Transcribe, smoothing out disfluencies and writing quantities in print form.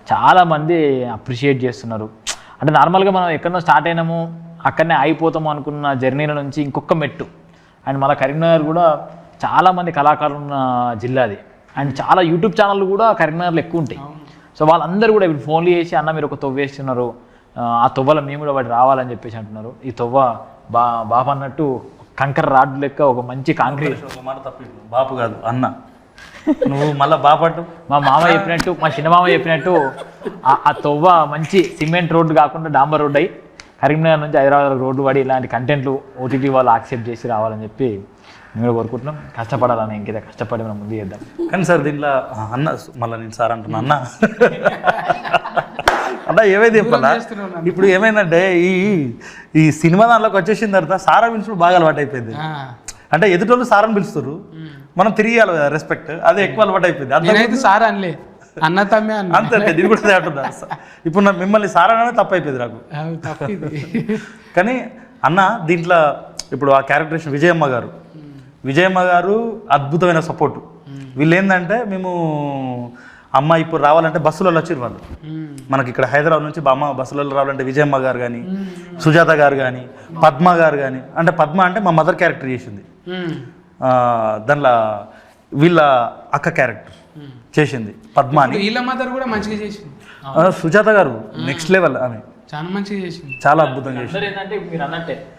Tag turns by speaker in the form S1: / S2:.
S1: చాలామంది అప్రిషియేట్ చేస్తున్నారు. అంటే నార్మల్గా మనం ఎక్కడో స్టార్ట్ అయినాము అక్కడనే అయిపోతాము అనుకున్న జర్నీల నుంచి ఇంకొక మెట్టు. అండ్ మన కరీంనగర్ కూడా చాలామంది కళాకారులు ఉన్న జిల్లా అది. అండ్ చాలా యూట్యూబ్ ఛానళ్ళు కూడా కరీంనగర్లో ఎక్కువ ఉంటాయి. సో వాళ్ళందరూ కూడా ఇప్పుడు ఫోన్లు చేసి అన్న మీరు ఒక తొవ్వ వేస్తున్నారు, ఆ తొవ్వలో మేము కూడా వాటి రావాలని చెప్పేసి అంటున్నారు. ఈ తొవ్వ బాబు అన్నట్టు కంకర రాడ్ లెక్క ఒక మంచి కాంక్రీట్.
S2: ఒక మాట తప్పి బాపు కాదు అన్న, నువ్వు మళ్ళీ బాపట్టు.
S1: మా మామ చెప్పినట్టు, మా చిన్న మామ చెప్పినట్టు ఆ తొవ్వ మంచి సిమెంట్ రోడ్డు కాకుండా డాంబర్ రోడ్డు అయ్యి కరీంనగర్ నుంచి హైదరాబాద్ రోడ్డు పడి ఇలాంటి కంటెంట్లు ఓటీటీ వాళ్ళు యాక్సెప్ట్ చేసి రావాలని చెప్పి మేము కూడా కోరుకుంటున్నాం. కష్టపడాలని ఇంకేదో కష్టపడి మనం ముందు చేద్దాం.
S2: కానీ సార్ దీంట్లో అన్న మళ్ళీ నేను సార్ అంటున్నా అన్న అన్న ఏమైంది చెప్పాలా, ఇప్పుడు ఏమైందంటే ఈ సినిమా దాంట్లోకి వచ్చేసిన తర్వాత సారా పిలుచుడు బాగా అలవాటు అయిపోయింది. అంటే ఎదుటోళ్ళు సారని పిలుస్తారు, మనం తిరిగియాలి కదా రెస్పెక్ట్, అదే ఎక్కువ అలవాటు అయిపోయింది.
S3: అన్న తమ్మే
S2: అంతే నేను కూడా అంటున్నా. ఇప్పుడు మిమ్మల్ని సార్ అననే తప్పు అయిపోయింది నాకు. కానీ అన్న దీంట్లో ఇప్పుడు ఆ క్యారెక్టరేషన్ విజయమ్మ గారు అద్భుతమైన సపోర్టు. వీళ్ళు ఏంటంటే మేము అమ్మ ఇప్పుడు రావాలంటే బస్సులలో వచ్చారు వాళ్ళు. మనకి ఇక్కడ హైదరాబాద్ నుంచి అమ్మ బస్సులలో రావాలంటే విజయమ్మ గారు కానీ, సుజాత గారు కానీ, పద్మ గారు కానీ, అంటే పద్మ అంటే మా మదర్ క్యారెక్టర్ చేసింది, దానిలో వీళ్ళ అక్క క్యారెక్టర్ చేసింది పద్మ అని.
S3: వీళ్ళ మదర్ కూడా మంచిగా చేసింది.
S2: సుజాత గారు నెక్స్ట్ లెవెల్ ఆమె,
S3: చాలా మంచిగా చేసింది,
S2: చాలా అద్భుతంగా చేసింది.
S1: ఏంటంటే మీరు అన్నట్టే